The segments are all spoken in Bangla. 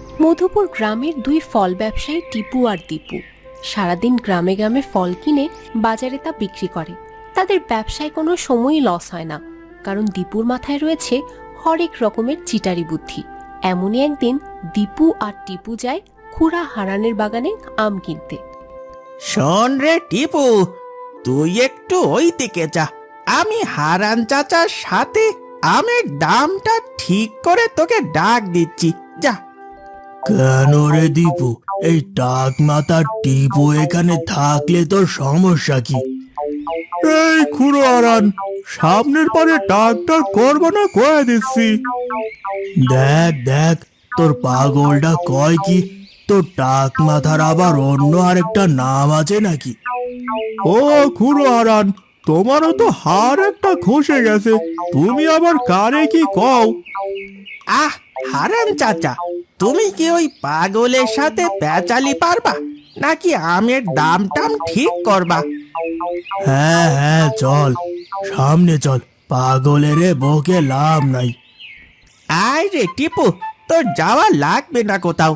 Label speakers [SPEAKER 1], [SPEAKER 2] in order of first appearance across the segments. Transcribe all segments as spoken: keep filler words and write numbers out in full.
[SPEAKER 1] মধুপুর গ্রামের দুই ফল ব্যবসায়ী টিপু আর দীপু সারাদিন গ্রামে গ্রামে ফল কিনে বাজারে তা বিক্রি করে। তাদের ব্যবসায় কোনো সময়ই লস হয় না, কারণ দীপুর মাথায় রয়েছে হরেক রকমের চিটারি বুদ্ধি। এমনই একদিন দীপু আর টিপু যায় খুড়া হারানের বাগানে আম কিনতে।
[SPEAKER 2] শোন রে টিপু, তুই একটু ওই দিকে যা, আমি হারান চাচার সাথে আমের দামটা ঠিক করে তোকে ডাক দিচ্ছি, যা।
[SPEAKER 3] কেন রে দীপু, এই টাক মাথার টিপু এখানে থাকলে তোর সমস্যা কি? এই খুড়ো আরান, সামনের পারে টাকটার করবো না কয়ে দিচ্ছি। দেখ দেখ, তোর পাগলটা কয় কি, তোর টাক মাথার আবার অন্য আরেকটা নাম আছে নাকি? ও খুড়ো আরান, তোমারও তো হার একটা খসে গেছে, তুমি আবার কারে কি কও?
[SPEAKER 2] আহ হারান চাচা, তুমি কি ওই পাগলের সাথে পেঁচালি পারবা, নাকি আমের দাম টাম ঠিক করবা?
[SPEAKER 3] হ্যাঁ হ্যাঁ চল, সামনে চল, পাগলের বকে লাভ নাই।
[SPEAKER 2] আয় রে টিপু, তোর যাওয়া লাগবে না কোথাও।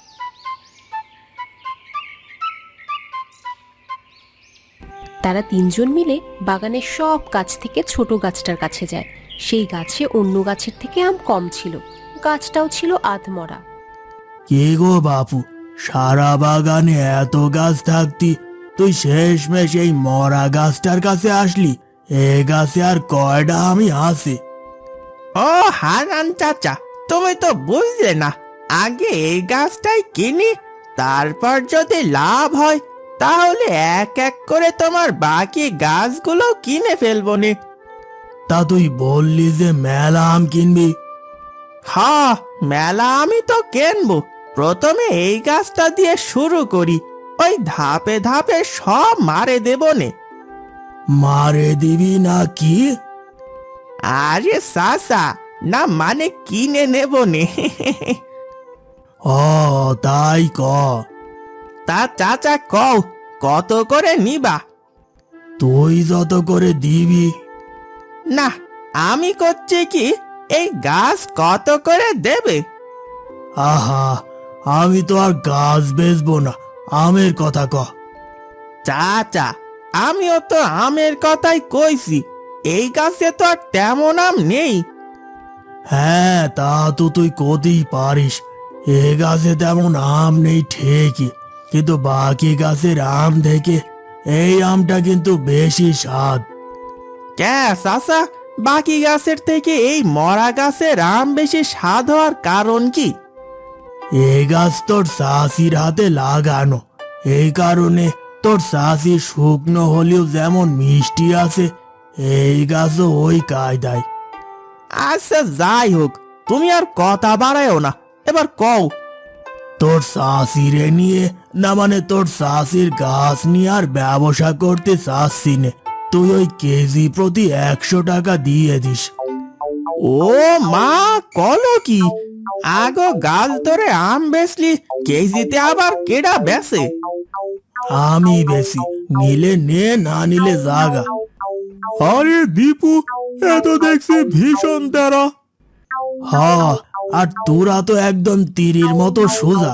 [SPEAKER 1] তারা তিনজন মিলে বাগানের সব গাছ থেকে ছোট গাছটার কাছে যায়। সেই গাছে অন্য গাছের থেকে আম কম ছিল, গাছটাও ছিল আধমরা।
[SPEAKER 3] কে গো বাপু, সারা বাগানে এত গাছ থাকতি তুই শেষমেশ এই মরা গাছটার কাছে আসলি? এ গাছে আর কয়টা আমি আছে?
[SPEAKER 2] ও হারান চাচা, তুমি তো বুঝলে না, আগে এই গাছটাই কিনি, তারপর যদি লাভ হয় তাহলে এক এক করে তোমার বাকি গাছগুলো কিনে ফেলবো নে।
[SPEAKER 3] তা তুই বললি যে মেলা আম কিনবি?
[SPEAKER 2] হ্যাঁ, মেলা আমি তো কিনবো, প্রথমে এই গাছটা দিয়ে শুরু করি, ওই ধাপে ধাপে সব মারে দেবো নে।
[SPEAKER 3] মারে দিবি না কি?
[SPEAKER 2] আরে সাসা, না মানে কিনে নেব নে।
[SPEAKER 3] ও তাই ক।
[SPEAKER 2] তা চাচা কও, কত করে নিবা?
[SPEAKER 3] তুই যত করে দিবি।
[SPEAKER 2] না, আমি করছি কি, এই গাছ কত করে দেবে?
[SPEAKER 3] আহা, আমি তো আর গাছ বেচবো না, আমের কথা ক।
[SPEAKER 2] চাচা, আমিও তো আমের কথাই কইছি, এই গাছে তো আর তেমন আম নেই।
[SPEAKER 3] হ্যাঁ তা তো তুই কতেই পারিস, এ গাছে তেমন আম নেই ঠিকই, কিন্তু বাকি গাছের আম থেকে এই আমটা কিন্তু বেশি স্বাদ।
[SPEAKER 2] ক্যা চাচা, বাকি গাছের থেকে এই মরা গাছের আম বেশি স্বাদ হওয়ার কারণ কি?
[SPEAKER 3] এই গাছ তোর শাশির হাতে লাগানো, এই কারণে তোর শাশি শুকনো হলেও যেমন মিষ্টি আছে, এই গাছও ওই কায়দায়।
[SPEAKER 2] আচ্ছা যাই হোক, তুমি আর কথা বাড়ায়ও না, এবার কও।
[SPEAKER 3] তোর শাশিরে নিয়ে, না মানে তোর শাশির গাছ নিয়ে আর ব্যবসা করতে চাচ্ছি নে, তুই ওই কেজি প্রতি একশো টাকা দিয়ে দিস।
[SPEAKER 2] ও মা, কলো কি, আগো গাছ ধরে আম বেচলি, কেজিতে আবার কেডা বেচে?
[SPEAKER 3] আমি বেশি, নিলে নে, না নিলে জাগা। আরে দীপু, এ তো দেখছি ভীষণ তেরা। হ্যাঁ, আর তোরা তো একদম তীরের মতো সোজা।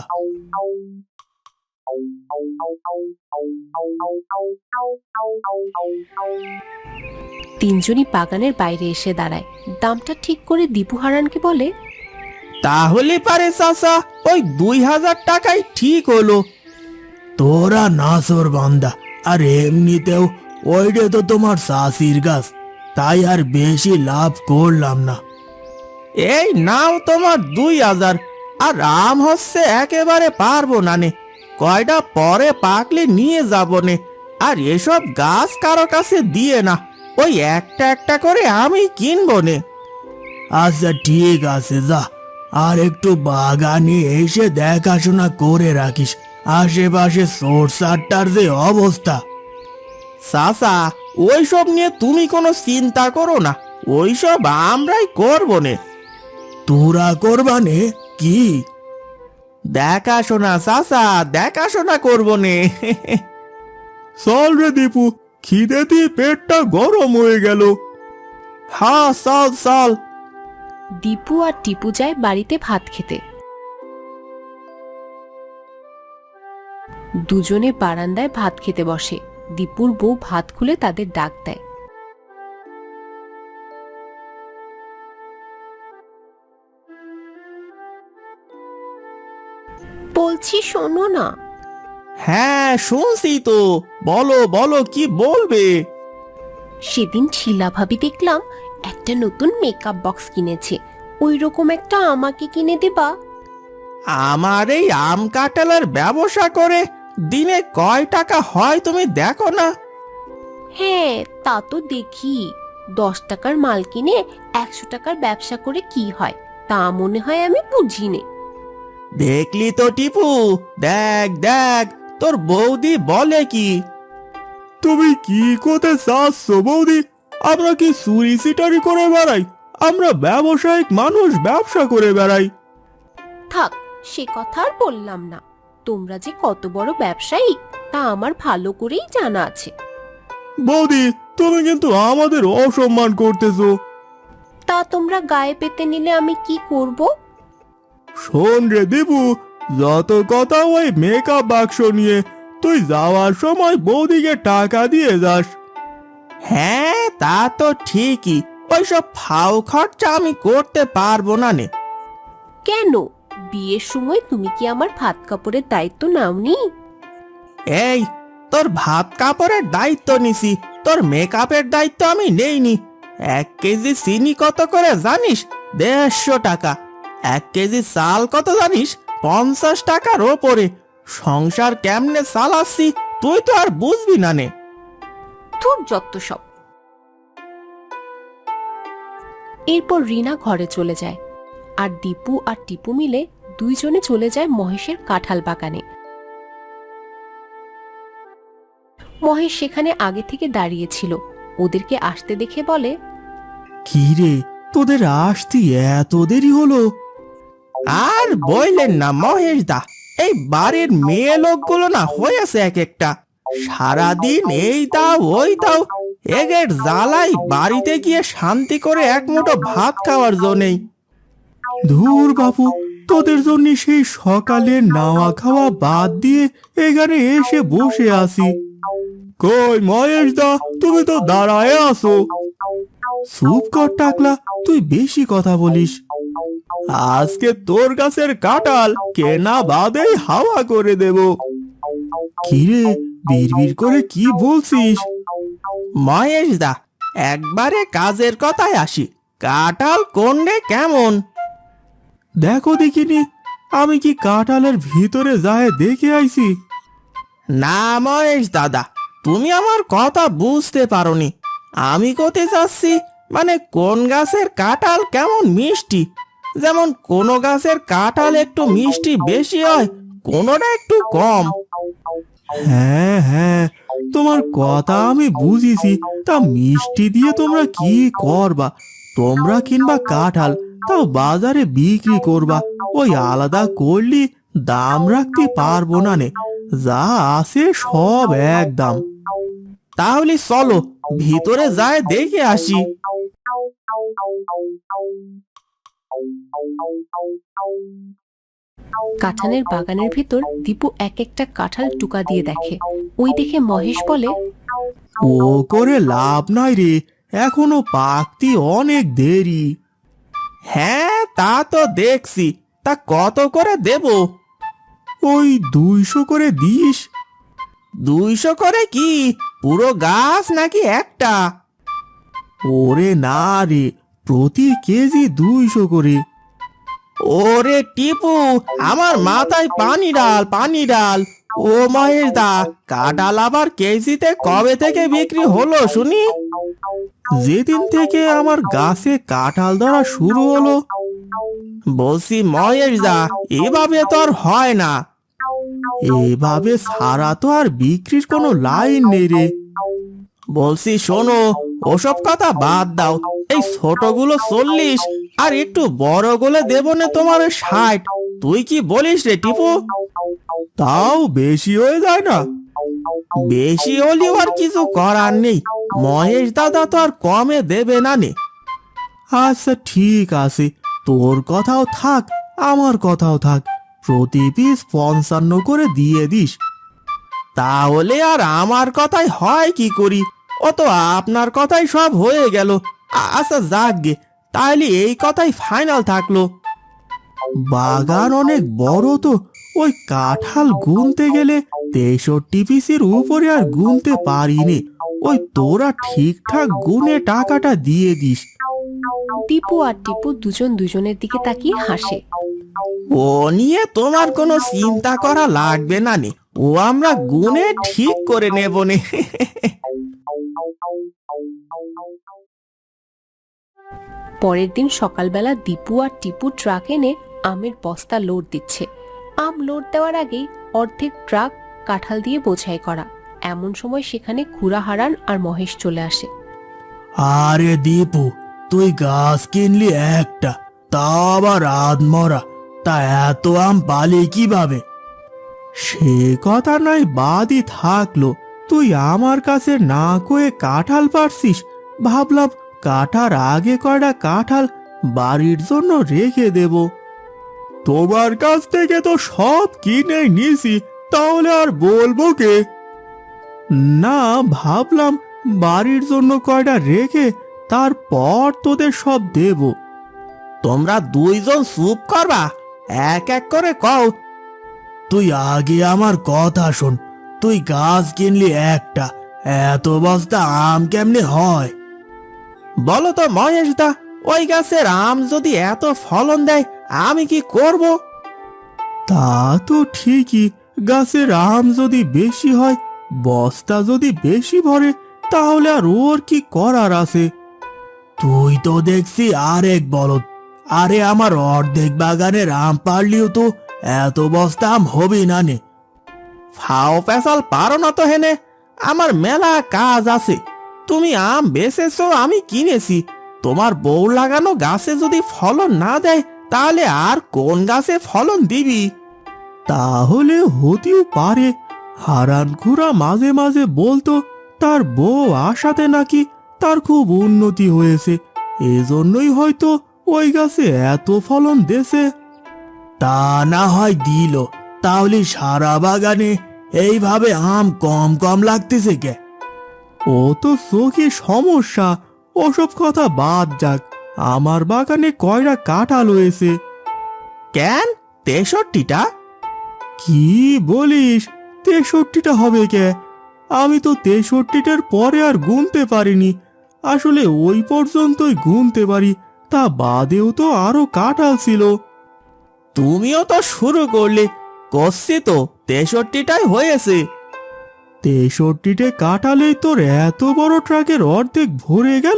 [SPEAKER 1] তিনজনই বাগানের বাইরে এসে দাঁড়ায়। দামটা ঠিক করে দীপু হারানকে বলে,
[SPEAKER 2] তাহলে পারে চাচা, ওই দুই হাজার টাকাই ঠিক হলো।
[SPEAKER 3] তোরা নাসর বান্দা, আর এমনিতেও ওইটা তো তোমার শাশির গাছ, তাই আর বেশি লাভ করলাম না।
[SPEAKER 2] এই নাও তোমার দুই হাজার, আর আম হচ্ছে একেবারে পারবো না নে, কয়টা পরে পাকলে নিয়ে যাবো নে, আর এসব গাছ কারো কাছে দিয়ে না, ওই একটা একটা করে আমি কিনবো নে।
[SPEAKER 3] আচ্ছা ঠিক আছে, যা, আর একটু বাগানে এসে দেখাশোনা করে রাখিস, আশেপাশে সোরসারটার যে অবস্থা।
[SPEAKER 2] চাচা, ওইসব নিয়ে তুমি কোনো চিন্তা করো না, ওইসব আমরাই করবো নে।
[SPEAKER 3] তোরা করবানে কি?
[SPEAKER 2] দেখাশোনা চাচা, দেখাশোনা করবো নে।
[SPEAKER 3] চল রে দীপু, খিদে দিয়ে পেটটা গরম হয়ে গেল।
[SPEAKER 2] হ্যাঁ চল চল।
[SPEAKER 1] দীপু আর টিপু যায় বাড়িতে ভাত খেতে। দুজনে বারান্দায় ভাত খেতে বসে। দীপুর বউ ভাত খুলে তাদের ডাক দেয়। বলছি শোনো না।
[SPEAKER 2] হ্যাঁ শুনছি তো, বলো বলো কি বলবে।
[SPEAKER 1] সেদিন শিলা ভাবি দেখলাম একটা নতুন মেকআপ বক্স কিনেছে, ওই রকম একটা আমাকে কিনে দেবা?
[SPEAKER 2] আমার এই আম কাঁঠালের ব্যবসা করে দিনে কয় টাকা হয় তুমি দেখো না।
[SPEAKER 1] হ্যাঁ তা তো দেখি, দশ টাকার মাল কিনে একশো টাকার ব্যবসা করে কি হয় তা মনে হয় আমি বুঝি নে।
[SPEAKER 2] দেখলি তো টিপু, দেখ দেখ তোর বৌদি বলে কি।
[SPEAKER 3] তুমি কি করতে চাচ্ছ বৌদি? আমরা কি চুরি সিটারি করে বেড়াই? আমরা ব্যবসায়িক মানুষ, ব্যবসা করে বেড়াই।
[SPEAKER 1] থাক সে কথা আর বললাম না, তোমরা যে কত বড় ব্যবসায়ী তা আমার ভালো করেই জানা আছে।
[SPEAKER 3] বৌদি তুমি কিন্তু আমাদের অসম্মান করতেছো।
[SPEAKER 1] তা তোমরা গায়ে পেতে নিলে আমি কি করব?
[SPEAKER 3] শোন রে দীপু, যত কথা ওই মেকআপ বাক্স নিয়ে, তুই যাওয়ার সময় বৌদিকে টাকা দিয়ে যাস।
[SPEAKER 2] হ্যাঁ তা তো ঠিকই, ওইসব ফাও খরচা আমি করতে পারবো না নে।
[SPEAKER 1] কেন, বিয়ের সময় তুমি কি আমার ভাত কাপড়ের দায়িত্ব নাওনি?
[SPEAKER 2] এই তোর ভাত কাপড়ের দায়িত্ব নিছি, তোর মেকআপের দায়িত্ব আমি নেইনি। এক কেজি চিনি কত করে জানিস? দেড়শো টাকা। এক কেজি চাল কত জানিস? পঞ্চাশ টাকার ওপরে। সংসার কেমনে চালাচ্ছি তুই তো আর বুঝবি না নে।
[SPEAKER 1] ধুর যত সব। এরপর রিনা ঘরে চলে যায়, আর দীপু আর টিপু মিলে দুইজনে চলে যায় মহেশের কাঁঠাল বাগানে। মহেশ সেখানে আগে থেকে দাঁড়িয়েছিল, ওদেরকে আসতে দেখে বলে,
[SPEAKER 3] কি রে, তোদের আসতে এত দেরি হলো?
[SPEAKER 2] আর বললেন না মহেশ দা, এই বাড়ির মেয়ে লোকগুলো না হয়েছে এক একটা। সারাদিন এই দাও ওই দাও, এগের জ্বালাই বাড়িতে গিয়ে শান্তি করে এক মুঠো ভাত খাওয়ার জন্যই।
[SPEAKER 3] ধুর বাপু, তোদের জন্য সেই সকালে নাওয়া খাওয়া বাদ দিয়ে এখানে এসে বসে আছি। কই মহেশ দা, তুমি তো দাঁড়ায় আছো। চুপ কর টাকলা, তুই বেশি কথা বলিস। আজকে তোর গাছের কাঁঠাল কেনা বাদেই হাওয়া করে দেব। কিরে, বিড়বিড় করে কি বলছিস?
[SPEAKER 2] মহেশ দা, একবারে কাজের কথায় আসি, কাঁঠাল কোনরে কেমন?
[SPEAKER 3] দেখো দেখিনি, আমি কি কাঁঠালের ভিতরে যায় দেখে আইছি?
[SPEAKER 2] না মহেশ দাদা, তুমি আমার কথা বুঝতে পারোনি। আমি কোথায় চাচ্ছি মানে কোন গাছের কাঁঠাল কেমন মিষ্টি। যেমন কোন গাছের কাঁঠাল একটু মিষ্টি বেশি হয়, কোনোটা একটু কম।
[SPEAKER 3] হ্যাঁ হ্যাঁ, তোমার কথা আমি বুঝিছি। তা মিষ্টি দিয়ে তোমরা কি করবা? তোমরা কিনবা কাঁঠাল, তাও বাজারে বিক্রি করবা। ওই আলাদা করলি দাম রাখতে পারবো না নে, যা আছে সব এক দাম।
[SPEAKER 2] তাহলে চলো ভিতরে যায় দেখে আসি।
[SPEAKER 1] কাঁঠালের বাগানের ভিতর দীপু এক একটা কাঁঠাল টুকা দিয়ে দেখে। ওই দেখে মহেশ বলে,
[SPEAKER 3] ও করে লাভ নাই রে, এখনো পাকতি অনেক দেরি।
[SPEAKER 2] হ্যাঁ তা তো দেখছি, তা কত করে দেব?
[SPEAKER 3] ওই দুইশো করে দিস।
[SPEAKER 2] দুইশো করে কি পুরো গাছ নাকি একটা?
[SPEAKER 3] ওরে না রে, প্রতি কেজি দুইশো করে।
[SPEAKER 2] ওরে টিপু, আমার মাথায় পানি ডাল পানি ডাল। ও মহেশ দা, কাঁঠাল আবার কেজিতে কবে থেকে বিক্রি হলো শুনি?
[SPEAKER 3] যেদিন থেকে আমার গাছে কাঁঠাল ধরা শুরু হলো।
[SPEAKER 2] বলছি মহেশ দা, এভাবে তো আর হয় না।
[SPEAKER 3] এভাবে সারা তো আর বিক্রির কোনো লাইন নেই রে।
[SPEAKER 2] বলছি শোনো, ওসব কথা বাদ দাও। এই ছোটগুলো চল্লিশ আর একটু বড়গুলো দেবো না তোমার ষাট। তুই কি বলিস রে টিপু?
[SPEAKER 3] তাও বেশি হয়ে যায় না?
[SPEAKER 2] বেশি হলেও আর কিছু করার নেই, মহেশ দাদা তো আর কমে দেবে না নে।
[SPEAKER 3] আচ্ছা ঠিক আছে, তোর কথাও থাক আমার কথাও থাক, প্রতি পিস পঞ্চান্ন করে দিয়ে দিস।
[SPEAKER 2] তাহলে আর আমার কথাই হয় কি করি? ও তো আপনার কথাই সব হয়ে গেল। আ- আচ্ছা যাকগে, তাহলে এই কথাই ফাইনাল থাকলো। বাগান অনেক বড় তো, ওই কাঁঠাল গুনতে গেলে তেষট্টি পিসের উপরে আর গুনতে পারিনি। ওই তোরা ঠিকঠাক গুনে টাকাটা দিয়ে দিস।
[SPEAKER 1] দীপু আর টিপু দুজন দুজনের দিকে তাকিয়ে হাসে।
[SPEAKER 2] ও নিয়ে তোমার কোনো চিন্তা করা লাগবে না নে, ও আমরা গুনে ঠিক করে নেব নে।
[SPEAKER 1] পরের দিন সকালবেলা দীপু আর টিপু ট্রাক এনে আমের বস্তা লোড দিচ্ছে। আম লোড দেওয়ার আগেই অর্ধেক ট্রাক কাঁঠাল দিয়ে বোঝাই করা। এমন সময় সেখানে খুড়া হারান আর মহেশ চলে আসে।
[SPEAKER 3] আরে দীপু, তুই গাছ কিনলি একটা, তা আবার আধমরা, তা এত আম পালি কিভাবে?
[SPEAKER 2] সে কথা নয় বাদই থাকলো, তুই আমার কাছে না কয়ে কাঁঠাল পারছিস। ভাবলাম কাটার আগে কয়টা কাঁঠাল বাড়ির জন্য রেখে দেব। তোমার কাছ থেকে তো সব কিনে নিছি, তাহলে আর বলবো কে? না, ভাবলাম বাড়ির জন্য কয়টা রেখে তারপর তোদের সব দেব। তোমরা দুইজন চুপ করবা, এক এক করে কও।
[SPEAKER 3] তুই আগে আমার কথা শোন, তুই গাছ কিনলি একটা, এত বস্তা আম কেমনে হয়?
[SPEAKER 2] বলো তো মহেশ দা, ওই গাছের আম যদি এত ফলন দেয় আমি কি করব? তা তো ঠিকই, গাছের আম যদি বেশি হয়, বস্তা যদি বেশি ভরে, তাহলে আর ওর কি করার আছে?
[SPEAKER 3] তুই তো দেখছি আরেক বলদ। আরে আমার অর্ধেক বাগানের আম পারলিও তো এত বস্তা আম হবে না নে।
[SPEAKER 2] ফাও পেশাল পারো না তো হেনে, আমার মেলা কাজ আছে। তুমি আম বেচেছো, আমি কিনেছি। তোমার বউ লাগানো গাছে যদি ফলন না দেয়, তাহলে আর কোন গাছে ফলন দিবি? তাহলে হতেও পারে হারান খুড়া মাঝে মাঝে বলতো তার বউ আসাতে নাকি তার খুব উন্নতি হয়েছে, এজন্যই হয়তো ওই গাছে এত ফলন দেছে।
[SPEAKER 3] তা না হয় দিল, তাহলে সারা বাগানে এইভাবে আম কম কম লাগতেছে কে?
[SPEAKER 2] ও তো চোখে সমস্যা, ওসব কথা বাদ যাক। আমার বাগানে কয়টা কাঁঠাল হয়েছে। কেন তেষট্টিটা? কি বলিস, তেষট্টিটা হবে কে? আমি তো তেষট্টিটার পরে আর গুনতে পারিনি। আসলে ওই পর্যন্তই গুনতে পারি, তা বাদেও তো আরো কাঁঠাল ছিল। তুমিও তো শুরু করলে, করছি তো তেষট্টিটাই হয়েছে। তেষট্টিটে কাঁঠালেই তোর এত বড় ট্রাকের অর্ধেক ভরে গেল?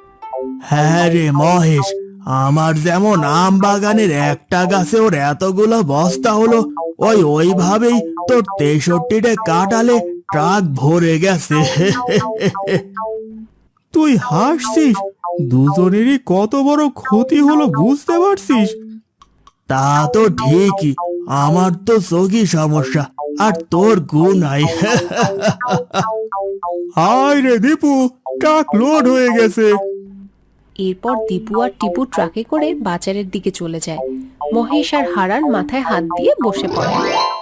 [SPEAKER 3] হ্যাঁ রে মহেশ, আমার যেমন আম বাগানের একটা গাছে ওর এতগুলো বস্তা হলো, ওই ওইভাবেই তোর তেষট্টিটা কাটালে ট্রাক ভরে গেছে।
[SPEAKER 2] তুই হাসছিস? দুজনেরই কত বড় ক্ষতি হলো বুঝতে পারছিস?
[SPEAKER 3] তা তো ঠিকই, আমার তো চোখই সমস্যা, আর তোর গুণ নাই।
[SPEAKER 2] হায় রে দীপু, ট্রাক লোড হয়ে গেছে।
[SPEAKER 1] এরপর দীপু আর টিপু ট্রাকে করে বাজারের দিকে চলে যায়। মহেশ আর হারান মাথায় হাত দিয়ে বসে পড়ে।